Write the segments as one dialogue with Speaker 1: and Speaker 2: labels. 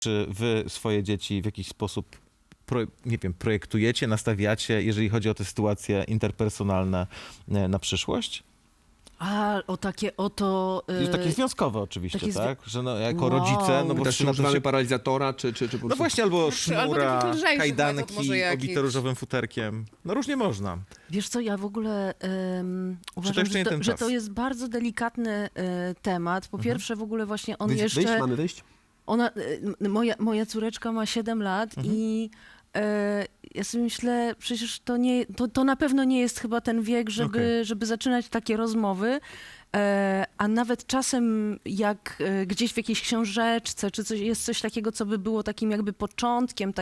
Speaker 1: Czy wy swoje dzieci w jakiś sposób, nie wiem, projektujecie, nastawiacie, jeżeli chodzi o te sytuacje interpersonalne na przyszłość?
Speaker 2: A, o takie oto...
Speaker 1: Takie związkowe oczywiście,
Speaker 2: takie
Speaker 1: tak? Że no, jako
Speaker 2: Wow.
Speaker 1: rodzice, no bo
Speaker 3: Też
Speaker 1: czy na to
Speaker 3: używamy
Speaker 1: się...
Speaker 3: paralizatora, czy po prostu...
Speaker 1: No właśnie, albo
Speaker 4: Albo
Speaker 1: sznura,
Speaker 4: taki lżejszy metod
Speaker 1: kajdanki
Speaker 4: może jakiś.
Speaker 1: obite różowym futerkiem. No różnie można.
Speaker 2: Wiesz co, ja w ogóle uważam,
Speaker 1: jeszcze nie ten
Speaker 2: że
Speaker 1: czas?
Speaker 2: to jest bardzo delikatny temat. Po pierwsze w ogóle właśnie on jeszcze...
Speaker 3: Wyjść? Mamy wyjść?
Speaker 2: Ona, moja córeczka ma 7 lat i ja sobie myślę, przecież to na pewno nie jest chyba ten wiek, żeby zaczynać takie rozmowy. A nawet czasem jak gdzieś w jakiejś książeczce, czy jest coś takiego, co by było takim jakby początkiem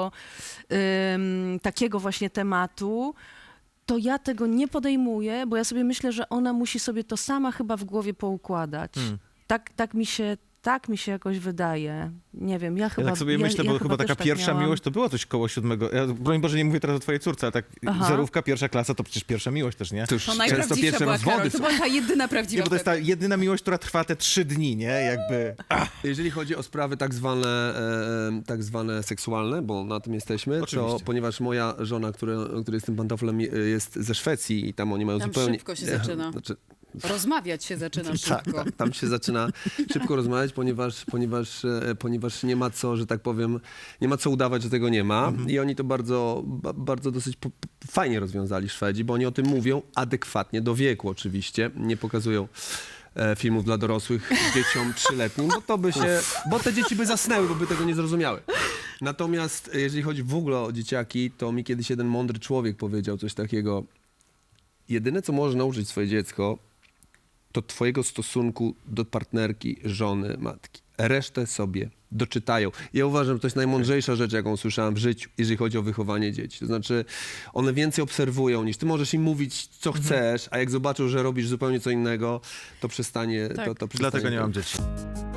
Speaker 2: takiego właśnie tematu, to ja tego nie podejmuję, bo ja sobie myślę, że ona musi sobie to sama chyba w głowie poukładać. Tak mi się jakoś wydaje. Nie wiem, ja chyba...
Speaker 1: Ja tak sobie myślę, bo chyba taka
Speaker 2: też
Speaker 1: pierwsza
Speaker 2: tak miałam.
Speaker 1: miłość to było coś koło 7. Ja, broń Boże, nie mówię teraz o twojej córce, ale tak zerówka, pierwsza klasa to przecież pierwsza miłość też, nie?
Speaker 3: To już
Speaker 4: To
Speaker 3: często
Speaker 4: najprawdziwsza
Speaker 3: pierwsze
Speaker 4: była Karol.
Speaker 3: rozwody
Speaker 4: To
Speaker 3: są.
Speaker 4: była ta jedyna
Speaker 1: Nie,
Speaker 4: prawdziwa.
Speaker 1: bo to jest ta jedyna miłość, która trwa te 3 dni, nie? Jakby...
Speaker 3: Jeżeli chodzi o sprawy tak zwane seksualne, bo na tym jesteśmy, to
Speaker 1: Oczywiście.
Speaker 3: ponieważ moja żona, która jest tym pantoflem, jest ze Szwecji i tam oni mają
Speaker 4: Tam
Speaker 3: zupełnie...
Speaker 4: szybko się zaczyna.
Speaker 3: Znaczy,
Speaker 4: Rozmawiać się zaczyna szybko.
Speaker 3: tam się zaczyna szybko rozmawiać, ponieważ nie ma co, że tak powiem, nie ma co udawać, że tego nie ma. I oni to bardzo dosyć fajnie rozwiązali, Szwedzi, bo oni o tym mówią adekwatnie do wieku oczywiście. Nie pokazują filmów dla dorosłych dzieciom 3-letnim, bo te dzieci by zasnęły, bo by tego nie zrozumiały. Natomiast jeżeli chodzi w ogóle o dzieciaki, to mi kiedyś jeden mądry człowiek powiedział coś takiego: jedyne, co może nauczyć swoje dziecko, to twojego stosunku do partnerki, żony, matki. Resztę sobie doczytają. Ja uważam, że to jest najmądrzejsza rzecz, jaką słyszałem w życiu, jeżeli chodzi o wychowanie dzieci. To znaczy, one więcej obserwują niż ty możesz im mówić, co chcesz, a jak zobaczą, że robisz zupełnie co innego, to przestanie...
Speaker 4: Tak.
Speaker 3: To przestanie
Speaker 1: Dlatego nie mam dzieci.